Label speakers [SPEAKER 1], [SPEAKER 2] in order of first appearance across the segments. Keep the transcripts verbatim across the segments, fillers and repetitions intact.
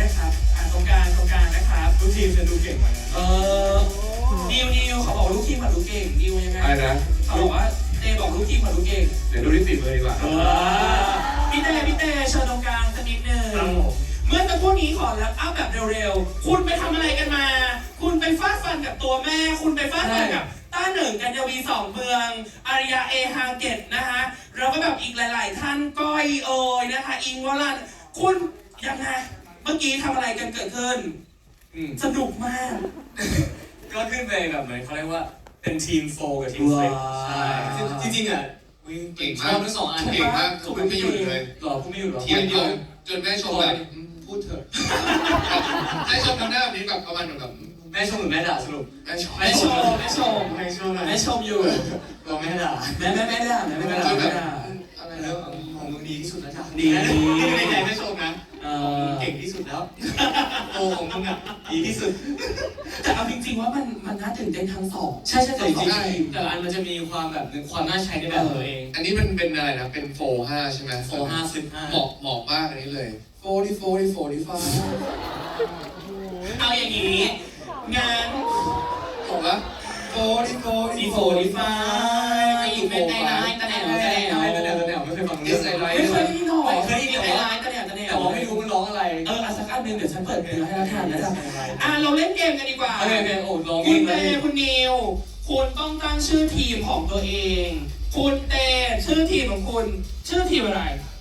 [SPEAKER 1] นะครับอ่าตรงกลางตรงกลางนะครับลูกทีมจะดูเก่งไหมเออนิวนิวเขาบอกลูกทีมผัดลูกเก่งนิวยังไง
[SPEAKER 2] อะไรนะ
[SPEAKER 1] เขาบอกว่าเต้บอกลูกทีมผัดลูกเก่ง
[SPEAKER 2] เดี๋ยวดูที่ติดเลยดีกว่า
[SPEAKER 1] เออพี่เต้พี่เต้เชิญตรงกลางสักนิดนึงเมื่อสักครู่นี้ขอแล้วอัพแบบเร็วๆคุณไปทำอะไรกันมาคุณไปฟาดฟันกับตัวแม่คุณไปฟาดฟันกับต้าหนึ่งกัญญวีสองเมืองอาริยาเอฮาเกตนะคะแล้วก็แบบอีกหลายๆท่านก้อยเอ๋ยนะคะอิงวรันคุณยังไงเมื่อกี้ทำอะไรกันเกิดขึ้นสนุกมาก
[SPEAKER 3] ก็ขึ้นไปแบบเหมือนเขาเรียกว่าเป็นทีมโฟกับทีมเฟรใช่จริงๆอ่ะ
[SPEAKER 2] เก่งมาก
[SPEAKER 3] ทั้งสองอัน
[SPEAKER 2] เก่งมากพูดไม่หยุดเลย
[SPEAKER 3] หรอพูดไม่หยุดหรอ
[SPEAKER 2] เทียนเดียวจนแม่ชมแบบพูดเถอะแม่ชมทำหน้าแบบนี้แบบประมาณแบบ
[SPEAKER 3] แม่ชมหรือแม่ด่าสรุป
[SPEAKER 2] แม่ชม
[SPEAKER 1] แม่ชมแม่ชม
[SPEAKER 3] แม่ชม
[SPEAKER 1] แม่ชมอยู่
[SPEAKER 3] เราแม่ด่า
[SPEAKER 1] แม่แม่แม่ด่าแม่แม่ด่าแม่ด่า
[SPEAKER 3] อะไรแล้วของมึงดีที่สุดแล้วจ้ะ
[SPEAKER 1] ดี
[SPEAKER 3] ดีในใจแม่ชมนะเก่งที่สุดแล้วโตของมึงอ่ะดีที่สุด
[SPEAKER 1] แต่เอาจริงๆว่ามันมันน่าตื่นเต้นทั้งสอง
[SPEAKER 3] ใช่ใช่แต่จริงๆแต่ละอันมันจะมีความแบบความน่าใช้ในแบบตัวเอง
[SPEAKER 2] อันนี้มันเป็นอะไรนะเป็นโฟห้าใช่ไหม
[SPEAKER 3] โฟห้าสิบห้า
[SPEAKER 2] เหมาะเหมาะมากอันนี้เลยโฟที่โฟที่โฟที่ฟ้า
[SPEAKER 1] เอาอย่างนี้งาน
[SPEAKER 2] บอกว่าโฟที่โฟ
[SPEAKER 1] ที่โฟที่ฟ้าอีกเป็นไงไลน์ตะแหน่วตะแหน่ว
[SPEAKER 3] ตะแหน่วตะแหน่วไม่เคยฟัง
[SPEAKER 2] เรื่องอะไร
[SPEAKER 1] ไม่เคยได้ยินหรอ
[SPEAKER 3] เคยได้ยิน
[SPEAKER 1] ไลน์ตะแหน่วตะแหน่ว
[SPEAKER 3] แต่ว่าไม่รู้มันร้องอะไร
[SPEAKER 1] เออสักอันหนึ่งเดี๋ยวฉันเปิดเพลงให้เราทานนะจ๊ะอ่ะเราเล่นเกมกันดีกว่า
[SPEAKER 3] โอเคโอเคโอ้ร้อง
[SPEAKER 1] คุณเต้คุณนิวคุณต้องตั้งชื่อทีมของตัวเองคุณเต้ชื่อทีมของคุณชื่อทีมอะไร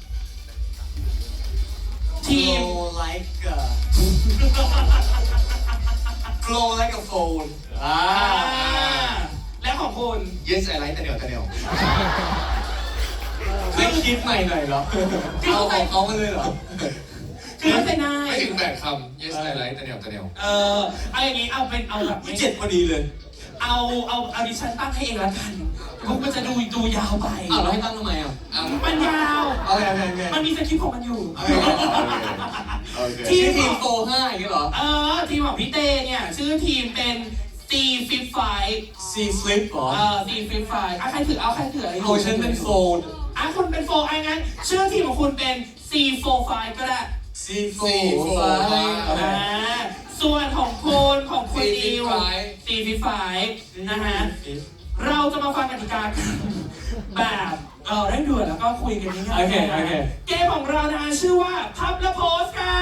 [SPEAKER 1] ทีม
[SPEAKER 3] like a glow like a phone อ่า
[SPEAKER 1] และของคุณ
[SPEAKER 2] yes I like ตะเหนียวตะเหนียว
[SPEAKER 3] ไม่คิดใหม่หน่อยเหรอเอาของเขามาเลยเหรอ
[SPEAKER 1] คือไม่เป็นไง
[SPEAKER 2] ไม่ถึงแปดคำ yes I like ตะเหนียวตะเหนียว
[SPEAKER 1] เออเอาอย่างนี้เอาเป็นเอาแบบ
[SPEAKER 3] เจ็ดพอดีเลย
[SPEAKER 1] เอาเอาเอาดิฉันตั้งให้เองละกันพวกมันจะดูดูยาวไป
[SPEAKER 3] อ้าวเราให้ตั้งทำไมอ่ะ
[SPEAKER 1] มันยาว
[SPEAKER 3] โอเคโอเค
[SPEAKER 1] มันมีสคริปต์ของมันอยู่
[SPEAKER 3] ทีมทีมโฟห้าอย่างเงี้ยเหรอ
[SPEAKER 1] เออทีมของพี่เต้เนี่ยชื่อทีมเป็น C Flip Five
[SPEAKER 3] C Flip หรอ
[SPEAKER 1] เออ C Flip Five อ่ะใครถือเอาใครถืออะไร
[SPEAKER 3] โอ้ฉันเป็นโฟน
[SPEAKER 1] อ่ะคุณเป็นโฟไอ้งั้นชื่อทีมของคุณเป็น C Four Five ก็ได้
[SPEAKER 3] C Four Five
[SPEAKER 1] อ่าส่วนของคุณของคุณดิว C Flip Five นะฮะเราจะมาฟังกติกาแบบเออเร่งด่วนแล้วก็คุยกันง่ายๆ
[SPEAKER 3] โอเคโอเค
[SPEAKER 1] เกมของเรานะชื่อว่าพับและโพสค่ะ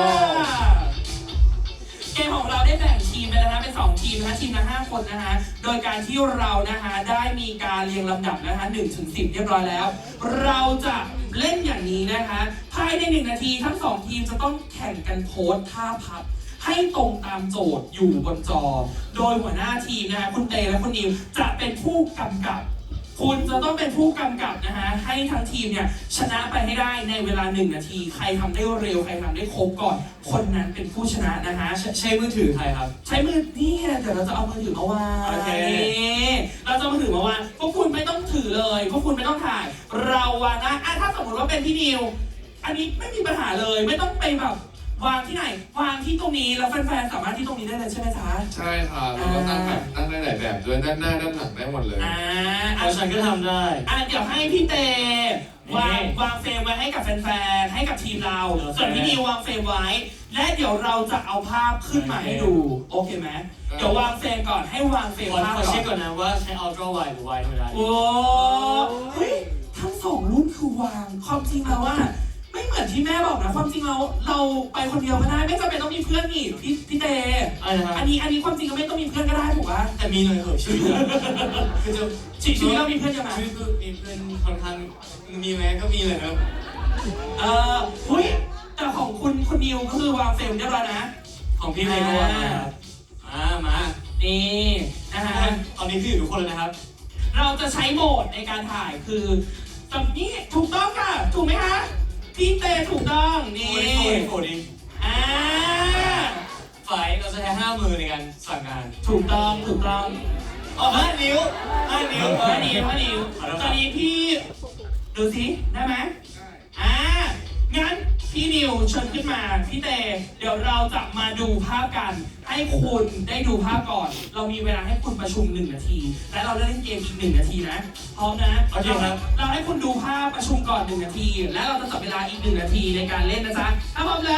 [SPEAKER 1] เกมของเราได้แบ่งทีมไปแล้วนะเป็นสองทีมนะทีมละห้าคนนะฮะโดยการที่เรานะฮะได้มีการเรียงลำดับนะฮะหนึ่งถึงสิบเรียบร้อยแล้วเราจะเล่นอย่างนี้นะคะภายในหนึ่งนาทีทั้งสองทีมจะต้องแข่งกันโพสท่าพับให้ตรงตามโจทย์อยู่บนจอโดยหัวหน้าทีมนะฮะคุณเตและคุณนิวจะเป็นผู้กำกับคุณจะต้องเป็นผู้กำกับนะฮะให้ทั้งทีมเนี่ยชนะไปให้ได้ในเวลาหนึ่งนาทีใครทำได้เร็วใครทำได้ครบก่อนคนนั้นเป็นผู้ชนะนะฮะ
[SPEAKER 3] ใช้มือถือใครครับ
[SPEAKER 1] ใช้มือนี่เดี๋ยวเราจะเอามือถือมาวางโอเคเราจะเอามือถือมาวางพวกคุณไม่ต้องถือเลยพวกคุณไม่ต้องถ่ายเราวางนะอ่ะถ้าสมมติว่าเป็นพี่นิวอันนี้ไม่มีปัญหาเลยไม่ต้องไปแบบวางที่ไหนวางที่ตรงนี้แล้วแฟนๆสามารถที่ตรงนี้ได้เลยใช่ไหมจ๊ะ
[SPEAKER 2] ใช่ค่ะเราก็ตั้งแบบตั้งได้หลายแบบด้วยด้านหน้าด้านหลังได้หมดเลย
[SPEAKER 1] อ่า
[SPEAKER 3] อ่ะฉันก็ทำได้
[SPEAKER 1] อ่ะเดี๋ยวให้พี่เตวางวางเฟรมไว้ให้กับแฟนๆให้กับทีมเราส่วนพี่นิววางเฟรมไว้และเดี๋ยวเราจะเอาภาพขึ้นมาให้ดูโอเคไหมเดี๋ยววางเฟรมก่อนให้วางเฟรมภาพก่อน
[SPEAKER 3] ขอเช็คก่อนนะว่าใช้ Ultra Wide หรือ Wide ธรรมดา
[SPEAKER 1] โอ้เฮ้ยทั้งสองรุ่นคือวางความจริงแล้วว่าไม่เหมือนที่แม่บอกนะความจริงเราเราไปคนเดียวก็ได้ไม่จำเป็นต้องมีเพื่อนนี่พี่พี่เตอันนี้อันนี้ความจริงก็ไม่ต้องมีเพื่อนก็ได้ถูกป่ะ
[SPEAKER 3] แต่มีหน่อยเหอะชีวิตคือจะ
[SPEAKER 1] ชีวิตเรามีเพื่อนยังไง
[SPEAKER 3] ชีวิตมีเพื่อนค่อนข้างมีไหมก็มีเลยครับ
[SPEAKER 1] เออเฮ้ยแต่ของคุณคุณนิวก็คือวางเฟรมเรียบร้อยนะ
[SPEAKER 3] ของพี่เลยก็วางนะครับอ่ามา
[SPEAKER 1] นี่นะฮะ
[SPEAKER 3] ตอนนี้พี่อยู่ทุกคนเลยนะครับ
[SPEAKER 1] เราจะใช้โหมดในการถ่ายคือแบบนี้ถูกต้องค่ะถูกไหมคะพี่เตถูกต้องนี่
[SPEAKER 3] โอ้ยโอ้ย
[SPEAKER 1] อ่า
[SPEAKER 3] ฝ่ายเราจะใช้ห้ามือในการสั่งงาน
[SPEAKER 1] ถูกต้องถูกต้อง
[SPEAKER 3] อ๋อห้านิ้วห้านิ้ว
[SPEAKER 1] ห้านิ้วห้านิ้วตอนนี้พี่ดูสิได้ไหมอ่างั้นพี่นิวเชิญขึ้นมาพี่เตเดี๋ยวเราจะมาดูภาพกันให้คุณได้ดูภาพก่อนเรามีเวลาให้คุณประชุมหนึ่งนาทีและเราเล่นเกมอีกหนึ่งนาทีนะพร้อมนะ
[SPEAKER 3] โอเคครับ
[SPEAKER 1] เราให้คุณดูภาพประชุมก่อนหนึ่งนาทีและเราจะจับเวลาอีกหนึ่งนาทีในการเล่นนะจ๊ะถ้าพร้อมแล้วไป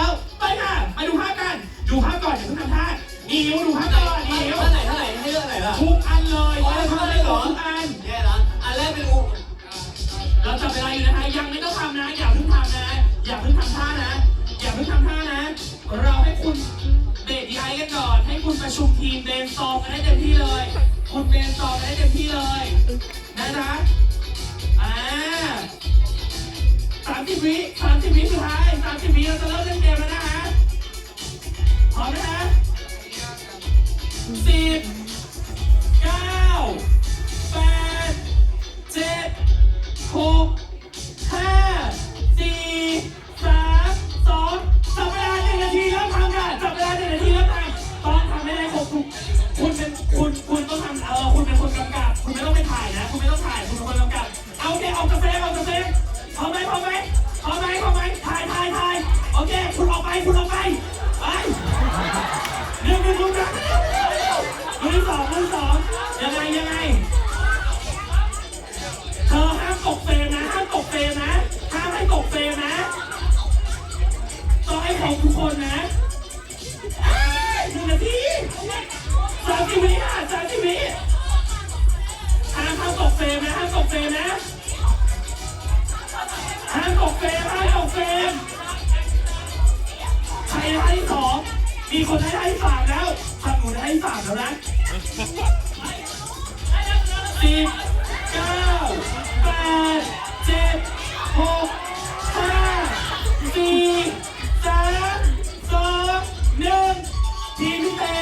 [SPEAKER 1] เลยค่ะ มาดูภาพกัน ดูภาพก่อนอย่าเพิ่งทำท่านิวดูภาพก่อนนิว
[SPEAKER 3] ท่าไหนท่าไหนให้เลือกไหนล่ะ
[SPEAKER 1] ทุกอันเลยเราทำได้หรอทุกอัน
[SPEAKER 3] แย่ละอันแรกเป็นอู
[SPEAKER 1] เราจับเวลาอยู่นะคะยังไม่ต้องทำนะอย่าเพิ่งทำนะอย่าเพิ่งทำท่านะอย่าเพิ่งทำท่านะ เราให้คุณเบรกดีไอกันก่อนให้คุณประชุมทีมเบนซอมกันได้เต็มที่เลย คุณเบนซอมกันได้เต็มที่เลยนะจ๊ะอ่าสามสิบวิสามสิบวิสุดท้ายสามสิบวิเราจะเริ่มเล่นเกมแล้วนะฮะพร้อมนะฮะสิบเก้าแปดเจ็ดหกห้าสี่สามสองจับเวลาหนึ่งนาทีเริ่มทำค่ะจับเวลาหนึ่งนาทีเริ่มทำต้องทำให้ได้ครบทุกคุณเป็นคุณคุณต้องทำเออคุณเป็นคนกำกับ คุณไม่ต้องไปถ่ายนะ คุณไม่ต้องถ่ายคุณเป็นคนกำกับเอาโอเคเอากาแฟเอากาแฟพร้อมไหมพร้อมไหมพร้อมไหมพร้อมไหมถ่ายถ่ายถ่ายโอเคคุณออกไปคุณออกไปไปหนึ่งหนึ่งหนึ่งหนึ่งสองหนึ่งสองยังไงยังไงเธอห้ามตกเฟรมนะห้ามตกเฟรมนะห้ามให้ตกเฟรมนะต้องให้ครบทุกคนนะหนึ่งนาทีสามสิบวิอ่ะสามสิบวิห้ามห้ามตกเฟรมนะห้ามตกเฟรมนะห้ามตกเฟรมห้ามตกเฟรมใครให้สองมีคนให้ให้สามแล้วทางหนูได้ให้สามแล้วนะสิบเก้าแปดเจ็ดหกห้าสี่สามสองหนึ่งทีมพี่เต้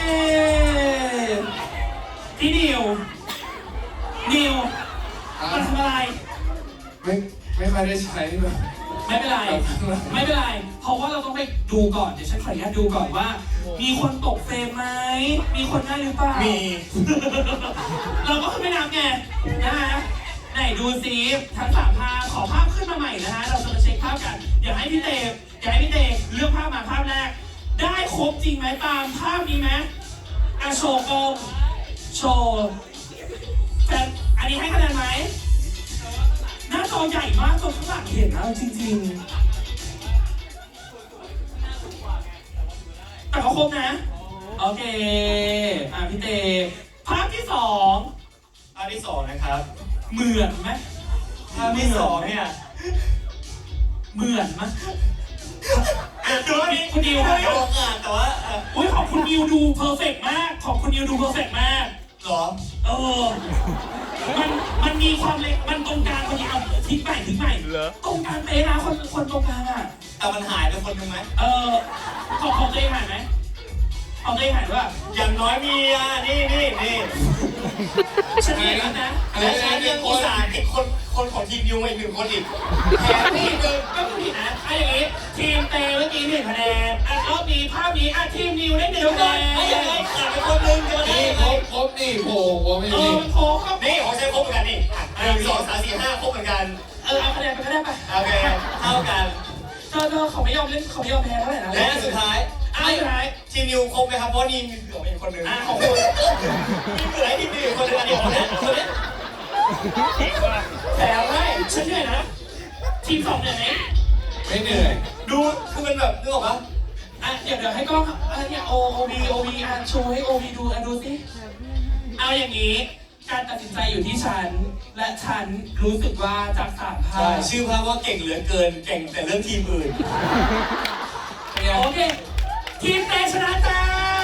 [SPEAKER 1] พี่นิวนิวมาทำอะไร
[SPEAKER 2] ไม่ไม่ค่อยได้ใช้แบบ
[SPEAKER 1] ไม่เป็นไร ไม่เป็นไร เพราะว่าเราต้องไปดูก่อน เดี๋ยวฉันขออนุญาตดูก่อนว่า มีคนตกเฟรมไหม มีคนได้หรือเปล่า
[SPEAKER 3] มี
[SPEAKER 1] เราก็ขึ้นไปนับไงนะฮะไหนดูซิทั้งสามภาพขอภาพขึ้นมาใหม่นะฮะ เราจะมาเช็คภาพกัน เดี๋ยวให้พี่เตเดี๋ยวให้พี่เตเลือกภาพมาภาพแรก ได้ครบจริงไหมตามภาพนี้ไหมอ่ะโชว์กล้องโชว์แต่อันนี้ให้คะแนนไหม หน้าจอใหญ่มากจนข้างหลังเห็นนะจริงๆแต่เขาครบนะ โอเค อ่ะพี่เตภาพที่สอง
[SPEAKER 3] ภาพที่สองนะครับ
[SPEAKER 1] เหมือนไหม
[SPEAKER 3] ภาพที่สองเนี่ย
[SPEAKER 1] เหมือนไหมอ่ะดู
[SPEAKER 3] ดู
[SPEAKER 1] นี่คุณดิว
[SPEAKER 3] ไม่
[SPEAKER 1] ครับ
[SPEAKER 3] ออกอ่ะแต่ว่าเอ่อ
[SPEAKER 1] อุ้ยของคุณดิวดูเพอร์เฟกต์มาก ของคุณดิวดูเพอร์เฟกต์มาก
[SPEAKER 3] เหรอ
[SPEAKER 1] เออ มัน มันมีความเล็ก มันตรงกลางพอดีเอาทิ้งใหม่ทิ้งใหม่ตรงกลางเป๊ะนะคนคนตรงกลางอ่ะ
[SPEAKER 3] แต่มันหายไปคนหนึงไหม
[SPEAKER 1] เออของของตัวเองหายไหมของตัวเองหายว่า
[SPEAKER 3] อย่างน้อยมีอ่ะนี่นี่นี่
[SPEAKER 1] ฉันเห็นแล้วนะ
[SPEAKER 3] และฉันยังอุตส่าห์ติดคนคนของทีมยูมาอีกหนึ่งคนอีกแถมนี่คือ
[SPEAKER 1] ก็ผิดนะอ่ะอย่างนี้ทีมเตเมื่อกี้หนึ่งคะแนนอ่ะรอบนี้ภาพนี้อ่ะทีมนิวได้หนึ่ง
[SPEAKER 3] เดี๋ยว
[SPEAKER 1] คะ
[SPEAKER 3] ก่อน
[SPEAKER 1] แน
[SPEAKER 3] ไม่ยังไง
[SPEAKER 1] น
[SPEAKER 3] ขาดไปคนหนึงจะมาได้
[SPEAKER 2] นี่
[SPEAKER 3] ยัง
[SPEAKER 2] ค
[SPEAKER 3] ไง
[SPEAKER 2] รบครบนี่โผล่หัวไม่
[SPEAKER 1] เอ
[SPEAKER 2] มี
[SPEAKER 1] อมันโค้งก็
[SPEAKER 3] นี่ของใช้ครบเหมือนกันนี่หนึ่งสองสามสี่ห้าครบเหมือนกัน
[SPEAKER 1] เออเอาคะแนนไปก็ได้ไป
[SPEAKER 3] โอเคเท่ากัน
[SPEAKER 1] เธอเธอเขาไม่ยอมเล่นเขาไม่ยอมแพ้เท่าไหร่นะ
[SPEAKER 3] และสุดท้าย
[SPEAKER 1] อ่ะสุดท้าย
[SPEAKER 3] ทีมนิวครบไหมครับเพราะว่านี่มีเหลืออีกคนหนึ่ง
[SPEAKER 1] อ่ะของคุณ
[SPEAKER 3] มีเหลือทีมนิวอีกคนหนึ่งอันนี้คนนี้คนนี้
[SPEAKER 1] แพ้ไว้ฉันเหนื่อยนะทีมสองเหนื่อยไหม
[SPEAKER 2] ไม่เหนื่อย
[SPEAKER 3] ดูคือมันแบบนึกออกปะ
[SPEAKER 1] อ่ะเดี๋ยวเดี๋ยวให้กล้องอะไรเนี่ยโอโอวีโอวีอ่ะโชว์ให้โอวีดูอ่ะดูสิเอาอย่างนี้ การตัดสินใจอยู่ที่ฉัน และฉันรู้สึกว่าจากสามภา
[SPEAKER 3] ใช่
[SPEAKER 1] พ
[SPEAKER 3] ชื่อภาพว่าเก่งเหลือเกินเก่งแต่เรื่องทีมอื่น
[SPEAKER 1] โอเค ทีมเตชนะจ้า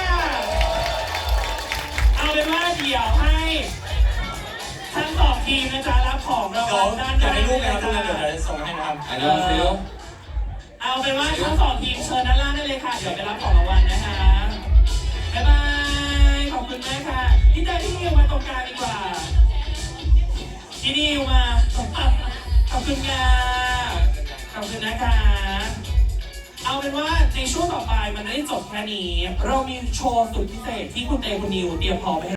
[SPEAKER 1] เอาเป็นว่าเดี๋ยวให้ทั้งสองทีมนะจ๊ะรับของราง
[SPEAKER 3] เดี๋ย
[SPEAKER 1] วั
[SPEAKER 3] ว
[SPEAKER 1] ลด้าน
[SPEAKER 3] อยา
[SPEAKER 1] ด้าก น
[SPEAKER 3] ได้รูปไหมครับรูป
[SPEAKER 1] นะ
[SPEAKER 3] นั้นเดี๋ยว
[SPEAKER 1] จ๊ะ
[SPEAKER 3] จะส่งให้นะครับ
[SPEAKER 2] อันนี้มันฟิล
[SPEAKER 1] เอาเป็นว่าทั้งสองทีมเชิญด้านล่างได้เลยค่ะ เดี๋ยวไปรับของรางวัลนะคะบ๊ายบาย ขอบคุณมากค่ะ พี่เตยพี่นิวมาตรงกลางดีกว่าพี่นิวมาขอบคุณค่ะขอบคุณนะคะ เอาเป็นว่าในช่วงต่อไปมันไม่ได้จบแค่นี้ เรามีโชว์สุดพิเศษที่คุณเตคุณนิวเตรียมพร้อมไปให้